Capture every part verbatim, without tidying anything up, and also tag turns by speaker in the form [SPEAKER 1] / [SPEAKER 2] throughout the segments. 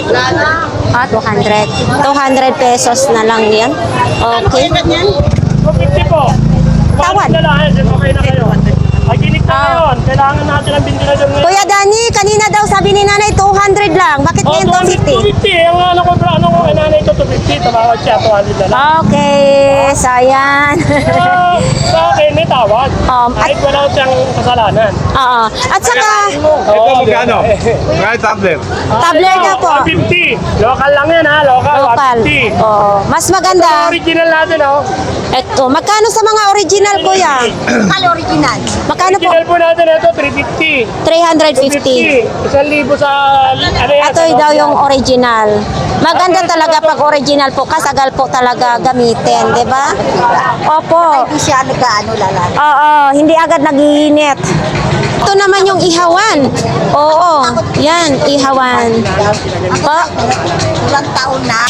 [SPEAKER 1] Ah, two hundred. two hundred pesos na lang yan. Okay.
[SPEAKER 2] two fifty po.
[SPEAKER 1] Tawad.
[SPEAKER 2] Na lang, eh, okay na kayo. Maginik na ngayon. Kailangan natin ang ventilador ngayon.
[SPEAKER 1] Kuya Danny, kanina daw sabi ni nanay two hundred lang. Bakit
[SPEAKER 2] Oh,
[SPEAKER 1] ngayon two fifty?
[SPEAKER 2] two fifty. Ang ano ko, ano ko, nanay ko two fifty. Tumawag siya, two hundred na lang.
[SPEAKER 1] Okay, sayan.
[SPEAKER 2] Pero sa akin, may tawad.
[SPEAKER 1] Um, at,
[SPEAKER 2] Kahit wala siyang kasalanan.
[SPEAKER 1] oo. At saka,
[SPEAKER 3] Ito magkano? Mga tablet.
[SPEAKER 1] tabler na po.
[SPEAKER 2] one fifty. Local lang yan ha, local.
[SPEAKER 1] Local.
[SPEAKER 2] one fifty.
[SPEAKER 1] Oo. Mas maganda.
[SPEAKER 2] Original natin oh.
[SPEAKER 1] Eto, magkano sa mga original, kuya? Magkano original? Magkano po?
[SPEAKER 2] Original po natin ito, three fifty.
[SPEAKER 1] three fifty.
[SPEAKER 2] Isang libo sa, ano yan?
[SPEAKER 1] Ito
[SPEAKER 2] sa
[SPEAKER 1] daw yung
[SPEAKER 2] Nokia.
[SPEAKER 1] original. Maganda talaga pag original po, kasagal po talaga gamitin, di ba? Opo.
[SPEAKER 4] Hindi siya nag-ano lala.
[SPEAKER 1] Oo, hindi agad nagiinit. Ito naman yung ihawan. Oo, yan, ihawan. Po,
[SPEAKER 4] Ilang taon na.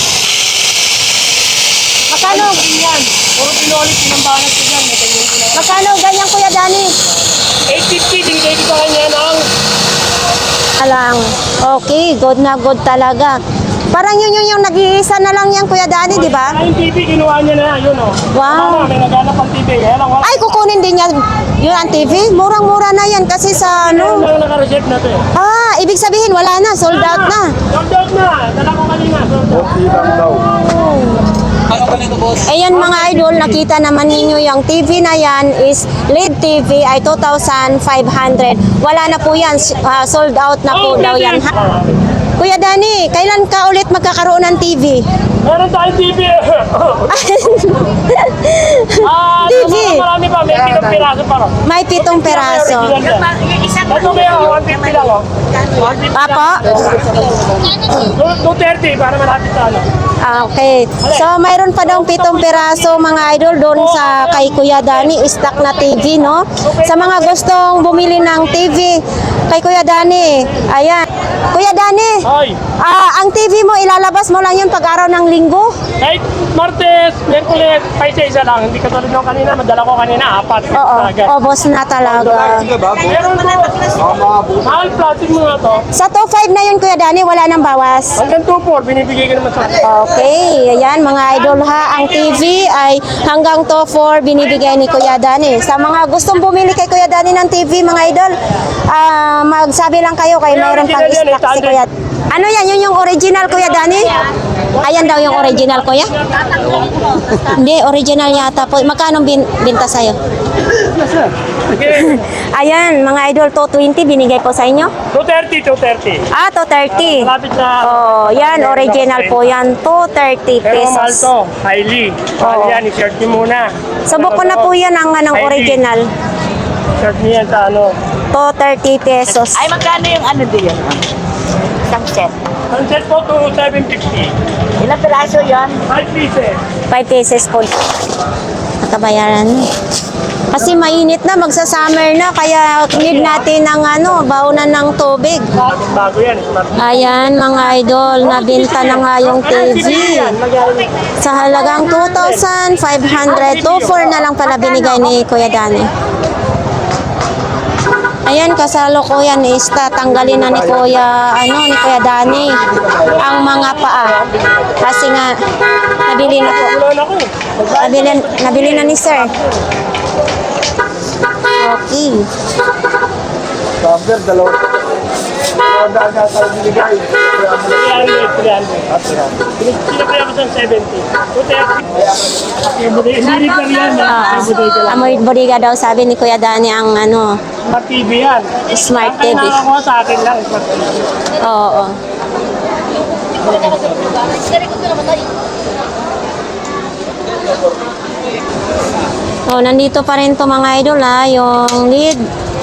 [SPEAKER 1] magkano,
[SPEAKER 2] Yan. Puro pinolit, pinambanat ko dyan. May ganyan ko na.
[SPEAKER 1] magkano ganyan, Kuya Danny?
[SPEAKER 2] eight fifty, binigay ko sa kanya ng
[SPEAKER 1] Alang, okay, good na good talaga. Parang yun yun yung nag-iisa na lang yan, Kuya Danny, di ba?
[SPEAKER 2] Ay, yung T V, kinuha niya na, yun o.
[SPEAKER 1] Wow.
[SPEAKER 2] May naghanap ang T V, kaya lang wala.
[SPEAKER 1] Ay, kukunin din niya yun ang T V? Murang-mura na yan kasi sa
[SPEAKER 2] Meron
[SPEAKER 1] ano.
[SPEAKER 2] lang naka-reserve na to eh.
[SPEAKER 1] Ah, ibig sabihin wala na, sold out na.
[SPEAKER 2] Sold out na. Dala ko kanina, sold out.
[SPEAKER 1] Ayan mga idol, nakita naman ninyo yung T V na yan is L E D T V ay two thousand five hundred. Wala na po yan, ah, sold out na po
[SPEAKER 2] Oh,
[SPEAKER 1] daw yan. Ha? Kuya Danny, kailan ka ulit magkakaroon ng T V?
[SPEAKER 2] Meron tayong T V. Ah,
[SPEAKER 1] T V.
[SPEAKER 2] marami pa, may pitong piraso pa. oh.
[SPEAKER 1] May pitong peraso.
[SPEAKER 2] Ito may one fifty lang oh. one fifty
[SPEAKER 1] Apo?
[SPEAKER 2] two thirty para malapit sa ano.
[SPEAKER 1] Ah, okay. So, mayroon pa daw pitong piraso mga idol doon sa kay Kuya Danny, stock na T V, no? Sa mga gustong bumili ng T V kay Kuya Danny, ayan. Kuya Danny,
[SPEAKER 2] Ay,
[SPEAKER 1] ah, ang T V mo, ilalabas mo lang yun pag araw ng linggo?
[SPEAKER 2] kahit Martes, Merkules, paisa-isa lang. Hindi katulad nung kanina, madala ko kanina, apat.
[SPEAKER 1] Oo,
[SPEAKER 2] Agad.
[SPEAKER 1] obos na talaga.
[SPEAKER 2] Meron po, mahal plastic mo nga to.
[SPEAKER 1] Sa two five na yun, Kuya Danny, wala nang bawas.
[SPEAKER 2] Hanggang two four, binibigay ko naman sa
[SPEAKER 1] Okay, ayan mga idol ha, ang T V ay hanggang two four binibigay ni Kuya Danny. Sa mga gustong bumili kay Kuya Danny ng T V mga idol, ah, magsabi lang kayo kay mayroon pang stock si Kuya. Ano yan, yun yung original Kuya Danny? Ayan daw yung original Kuya? Hindi, original yata po. Magkano bin binta sa'yo? Ayan, mga idol, two twenty binigay po sa inyo?
[SPEAKER 2] two thirty, two thirty.
[SPEAKER 1] Ah, two thirty.
[SPEAKER 2] Malapit sa...
[SPEAKER 1] Oh, yan, original po yan. two thirty
[SPEAKER 2] Pero mahal
[SPEAKER 1] pesos.
[SPEAKER 2] to, highly. Mahal
[SPEAKER 1] Oo.
[SPEAKER 2] yan, i-shirt niyo muna.
[SPEAKER 1] Subok ko na po yan ang anong
[SPEAKER 2] Highly.
[SPEAKER 1] original.
[SPEAKER 2] Shirt niyo yan sa ano.
[SPEAKER 1] two thirty pesos.
[SPEAKER 4] Ay, magkano yung ano din? Isang set.
[SPEAKER 2] Ang set po to seven fifty.
[SPEAKER 4] Ilang piraso yan?
[SPEAKER 2] five pieces.
[SPEAKER 1] five pesos po. Nakabayaran. Kasi mainit na, magsa-summer na, kaya need natin ng ano, baunan ng tubig.
[SPEAKER 2] Bago yan. Smart.
[SPEAKER 1] Ayan mga idol, nabinta na nga yung T V. Sa halagang two thousand five hundred, two four na lang pala binigay ni Kuya Danny. Ayan, kasalukuyan is tatanggalin na ni Kuya, ano, ni Kuya Danny ang mga paa. Kasi nga, nabili na po.
[SPEAKER 2] Wala na ko.
[SPEAKER 1] Nabili, nabili na ni Sir. Okay.
[SPEAKER 3] Tablet, dalawa. Daan na tayo binigay.
[SPEAKER 2] three hundred, three hundred. Pinapaya ko sa seventy. two thirty. Hindi rin pa yan.
[SPEAKER 1] Ah, Amoy Boriga daw sabi ni Kuya Danny ang ano,
[SPEAKER 2] Smart T V yan.
[SPEAKER 1] Smart T V.
[SPEAKER 2] Ang nakakuha sa akin lang, Smart T V.
[SPEAKER 1] Oo. Oh, nandito pa rin to mga idol ha, yung lead.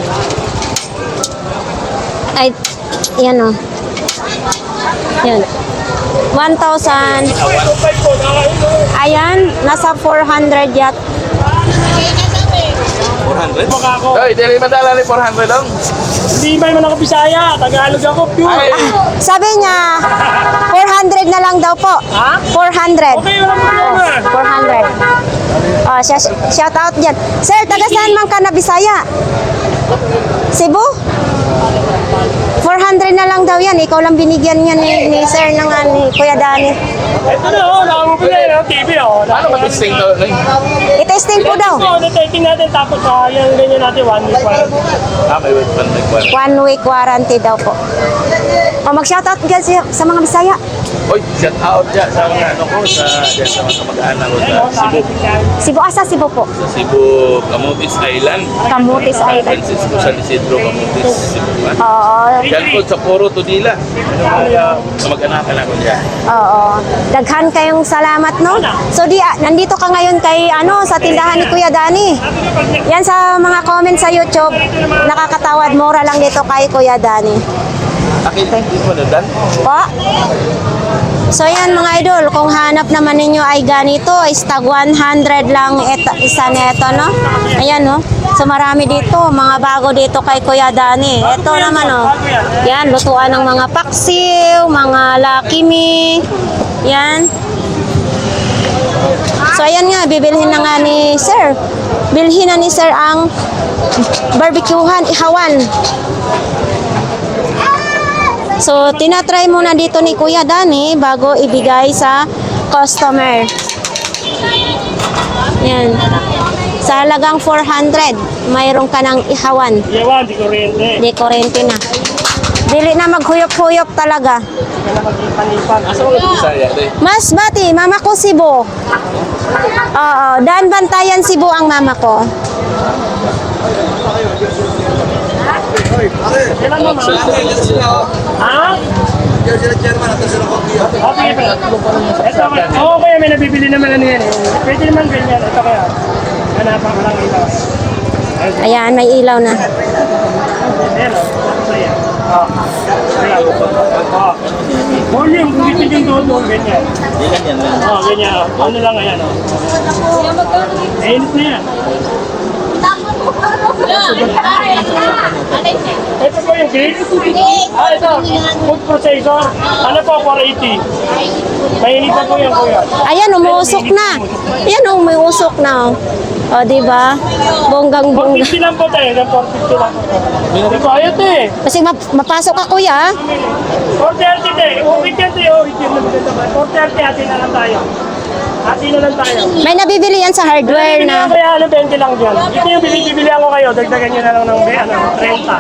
[SPEAKER 1] Ay, yan o. Yan. one thousand. Ayan, nasa four hundred yat.
[SPEAKER 3] four hundred?
[SPEAKER 2] Baka ako.
[SPEAKER 3] Ay, dili madala ni four hundred lang.
[SPEAKER 2] Hindi ba naman ako Bisaya? Tagalog ako, pure.
[SPEAKER 3] Ay,
[SPEAKER 1] Sabi niya, four hundred na lang daw po.
[SPEAKER 2] Ha?
[SPEAKER 1] four hundred.
[SPEAKER 2] Okay, walang problema.
[SPEAKER 1] four hundred. Oh, sh- shout out dyan. Sir, taga saan man ka na Bisaya? Cebu? four four hundred na lang daw yan. Ikaw lang binigyan niya ni, ni Sir ng ah, ni Kuya Danny.
[SPEAKER 2] Ito na, oh, nakamubili na ng T V, oh.
[SPEAKER 3] Ano ba testing to? Nay?
[SPEAKER 1] I-testing po daw.
[SPEAKER 2] So, na-testing natin, tapos uh, yung ganyan natin, one week pa.
[SPEAKER 3] Ah, may wait pan nagkwan.
[SPEAKER 1] One week warranty daw po. O mag-shoutout dyan sa, sa mga Bisaya.
[SPEAKER 3] Oy, shout out dyan sa mga ano ko, sa, dyan sa mga kamag-anak ko sa Cebu.
[SPEAKER 1] Cebu, asa Cebu po?
[SPEAKER 3] Sa Cebu, Camotes Island.
[SPEAKER 1] Camotes
[SPEAKER 3] San
[SPEAKER 1] Island.
[SPEAKER 3] Francisco, San Isidro, Camotes, Cebu.
[SPEAKER 1] Oo.
[SPEAKER 3] Yan po sa Puro Tudila. Kaya kamag-anak ko dyan.
[SPEAKER 1] Oo. Daghan kayong salamat, no? So, di, ah, nandito ka ngayon kay, ano, sa tindahan ni Kuya Danny. Yan sa mga comment sa YouTube, nakakatawad, mura lang dito kay Kuya Danny.
[SPEAKER 3] Akin, hindi mo na dan?
[SPEAKER 1] Po? So yan mga idol, kung hanap naman ninyo ay ganito, is tag one hundred lang ito, isa neto, no? Ayan, no? So marami dito, mga bago dito kay Kuya Danny. Ito naman, no? Yan, lutuan ng mga paksiw, mga Lucky Me. Yan. So ayan nga, bibilhin na nga ni Sir. Bilhin na ni Sir ang barbecuehan, ihawan. So, tinatry muna dito ni Kuya Danny bago ibigay sa customer. Yan. Sa halagang four hundred, mayroon ka ng ihawan.
[SPEAKER 2] Yawan, di kuryente.
[SPEAKER 1] Di kurente na. Dili na maghuyop-huyop talaga.
[SPEAKER 2] Kaya mag-ipan-ipan.
[SPEAKER 3] Asa mo ka Bisaya, day?
[SPEAKER 1] Mas bati, mama ko Cebu. Oo, Daan Bantayan Cebu ang mama ko.
[SPEAKER 2] Kailan mo, ma? Ha? Okay, pa. Ito, oo, kaya may nabibili naman ano yan eh. Pwede naman ganyan. Ito kaya. Hanapan ko lang ito.
[SPEAKER 1] Ayan, may ilaw na.
[SPEAKER 2] Ayan, o. Tapos ayan. Oo. Ayan. Oo. Volume, kung gusto yung doon, ganyan.
[SPEAKER 3] Di ganyan lang.
[SPEAKER 2] Oo, ganyan. o. Ano lang ayan, o. Mainit na yan. Ito po yung cake? Ah, ito. Food processor. Ano po, four eighty. Mainit na po yan, kuya.
[SPEAKER 1] Ayan, umuusok na. Ayan, umuusok na. O, di ba? Bonggang
[SPEAKER 2] four
[SPEAKER 1] bongga.
[SPEAKER 2] fifty lang po tayo. four fifty lang po tayo. Hindi ko ayot eh.
[SPEAKER 1] Kasi map- mapasok ka, kuya.
[SPEAKER 2] four thirty tayo. Uwit yan tayo. Uwit yan na maganda ba? four thirty, atin na lang tayo. Atin na lang tayo.
[SPEAKER 1] May nabibili yan sa hardware
[SPEAKER 2] Binibili
[SPEAKER 1] na.
[SPEAKER 2] ko kaya ano, twenty lang dyan. Ito yung binibibilihan ko kayo. Dagdagan nyo na lang ng ano, thirty.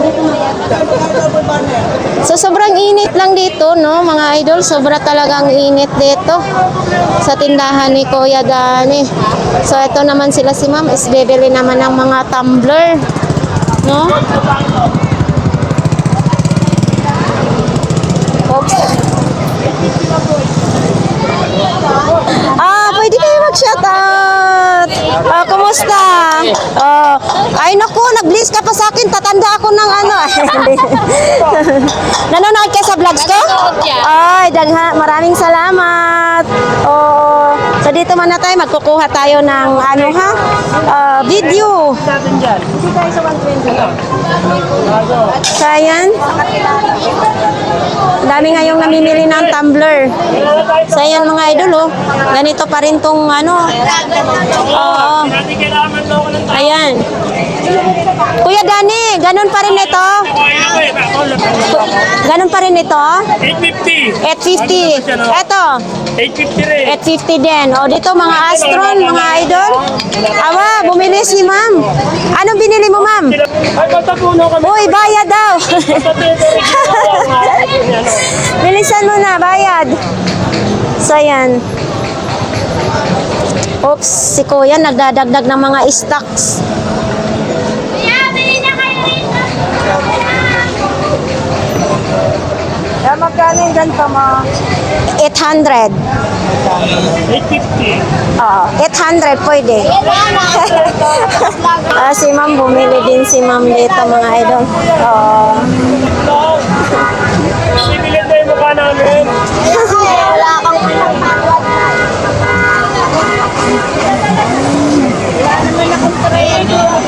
[SPEAKER 1] So sobrang init lang dito, no, mga idol. Sobra talagang init dito sa tindahan ni Kuya Danny. So ito naman sila si Ma'am, is bibili naman ng mga tumbler, no? Oops. Ah, pwede kayo mag-shoutout. Ah, kumusta? Ah, ay naku, nag-bless ka pa sa akin. Tatanda ako ng ano. Nanonood ka sa vlogs ko? Ay, dagha, maraming salamat. Oo. So dito muna tayo, magkukuha tayo ng ano ha? Ah, video.
[SPEAKER 2] Natin dyan.
[SPEAKER 1] Hindi tayo sa one twenty.
[SPEAKER 2] Bago.
[SPEAKER 1] So ayan. Dami ngayong namimili ng tumbler.
[SPEAKER 2] Kailan na tayo?
[SPEAKER 1] So ayan mga idol, oh. Ganito pa rin tong ano. Oo.
[SPEAKER 2] Natin kailangan daw ko ng tayo.
[SPEAKER 1] Ayan. Kuya Danny, ganun pa rin ito?
[SPEAKER 2] Kaya ko eh. Ako lang.
[SPEAKER 1] Ganun pa rin ito?
[SPEAKER 2] eight fifty.
[SPEAKER 1] eight fifty. Ito,
[SPEAKER 2] eight fifty rin.
[SPEAKER 1] eight fifty din. O dito mga Astron, mga idol. Awa, bumili si ma'am. Anong binili mo, ma'am?
[SPEAKER 2] Ay, basta puno kami.
[SPEAKER 1] Uy, bayad daw.
[SPEAKER 2] Basta puno.
[SPEAKER 1] Bilisan mo na, bayad. So, yan. Oops, si Kuya nagdadagdag ng mga stocks.
[SPEAKER 4] Kaya magkano yung ganito mo?
[SPEAKER 1] eight hundred.
[SPEAKER 2] eight fifty.
[SPEAKER 1] Oo, eight hundred pwede. Ah, si ma'am, bumili din si ma'am dito mga idol. Oo.
[SPEAKER 2] Sibilin mo yung mukha namin.
[SPEAKER 4] Wala kang pinagpagwad. Wala naman akong trade.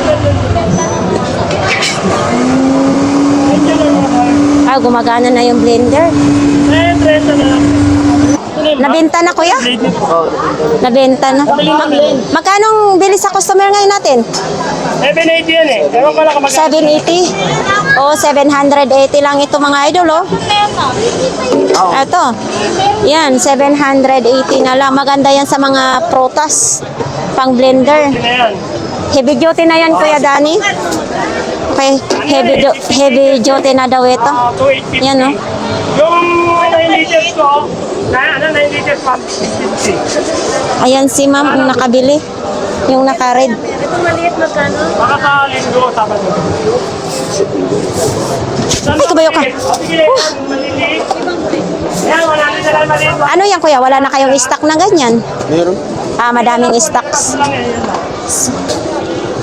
[SPEAKER 1] Ah, gumagana na yung blender.
[SPEAKER 2] Eh, trenta na lang.
[SPEAKER 1] Nabenta na, kuya?
[SPEAKER 2] Blade nito.
[SPEAKER 1] Nabenta na. Ma- magkano bili sa customer ngayon natin?
[SPEAKER 2] seven eighty yan eh. Ewan ko lang kapag
[SPEAKER 1] seven eighty. Oh, seven hundred eighty lang ito mga idol, oh. Ito. Yan, seven hundred eighty na lang. Maganda yan sa mga prutas. Pang blender.
[SPEAKER 2] Ito na yan.
[SPEAKER 1] Heavy duty na yan, Kuya Danny. Okay, heavy, du- heavy duty na daw ito.
[SPEAKER 2] Ah, two eight fifty.
[SPEAKER 1] Yan, oh.
[SPEAKER 2] Yung nine liters ko, na ano, nine liters, ma'am, six fifty.
[SPEAKER 1] Ayan si ma'am, ang nakabili. Yung naka-red.
[SPEAKER 4] Ito maliit magkano?
[SPEAKER 2] Baka sa linggo, Sabado.
[SPEAKER 1] Ay, kabayo ka.
[SPEAKER 2] O, sige, maliliit. Yan, wala na lang maliit.
[SPEAKER 1] Ano yan, Kuya? Wala na kayong stock na ganyan? Meron. Ah, madaming stocks.
[SPEAKER 2] Lang yan, yan lang.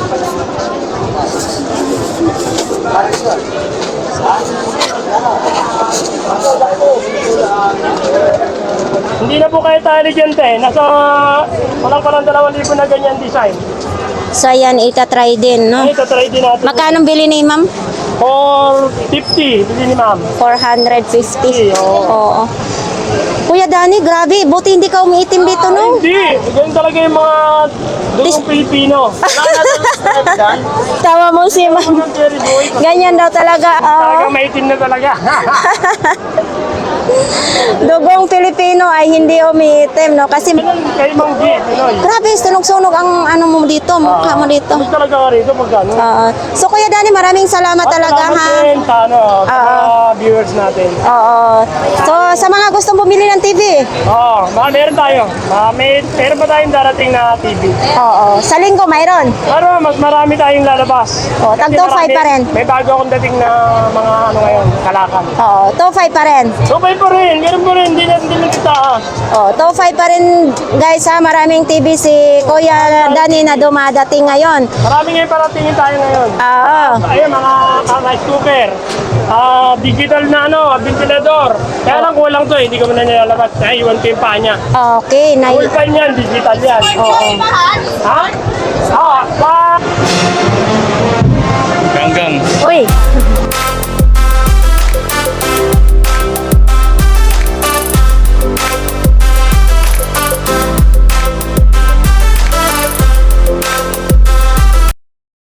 [SPEAKER 2] Hindi na po kayo intelligent eh. Nasa walang parang dalawang libo na ganyan design.
[SPEAKER 1] So, ayan, itatry din, no?
[SPEAKER 2] Ito, try din natin.
[SPEAKER 1] Magkano bili ni ma'am?
[SPEAKER 2] four fifty, bili ni ma'am.
[SPEAKER 1] four hundred fifty.
[SPEAKER 2] Oo.
[SPEAKER 1] Oo. Kuya Danny, grabe. Buti hindi ka umiitim dito, no?
[SPEAKER 2] Hindi, ganyan talaga yung mga dugong Pilipino.
[SPEAKER 1] Tawa mo si ma'am.
[SPEAKER 2] Mga Jerry boy,
[SPEAKER 1] Ganyan daw talaga. oo.
[SPEAKER 2] talaga maitim na talaga.
[SPEAKER 1] Dugong Pilipino ay hindi umiitim, no? Kasi,
[SPEAKER 2] Ganun kay Mang G, Pinoy.
[SPEAKER 1] grabe, sunog-sunog ang ano mo dito, mukha mo dito.
[SPEAKER 2] Hindi talaga ka rito pag ano.
[SPEAKER 1] Oo. So, Kuya Danny, maraming salamat talaga,
[SPEAKER 2] Salamat
[SPEAKER 1] ha?
[SPEAKER 2] din sa ano, sa mga viewers natin.
[SPEAKER 1] Oo. So, sa mga gustong bumili ng T V,
[SPEAKER 2] Oo, mga meron tayo. Mga may, meron pa tayong darating na T V.
[SPEAKER 1] oo. Sa linggo, mayroon.
[SPEAKER 2] Pero mas marami tayong lalabas.
[SPEAKER 1] Oo, tag
[SPEAKER 2] Kasi
[SPEAKER 1] two five
[SPEAKER 2] marami-
[SPEAKER 1] pa rin.
[SPEAKER 2] May bago akong dating na mga ano ngayon, kalakan.
[SPEAKER 1] Oo, two five pa rin.
[SPEAKER 2] So, may pa rin, meron pa rin, hindi na hindi na kita.
[SPEAKER 1] Oh, two five pa rin guys ha, maraming T V si Kuya Danny na dumadating ngayon.
[SPEAKER 2] Marami ngayon paratingin tayo ngayon.
[SPEAKER 1] Oo.
[SPEAKER 2] Ayun, mga uh, rice cooker. Ah, digital na ano, ventilador. Kaya lang kulang to eh, hindi ko muna nilalabas. Ay, iwan ko yung paa niya.
[SPEAKER 1] Okay, na
[SPEAKER 2] Full pan yan, digital yan.
[SPEAKER 1] Oo.
[SPEAKER 2] Ha? Ah,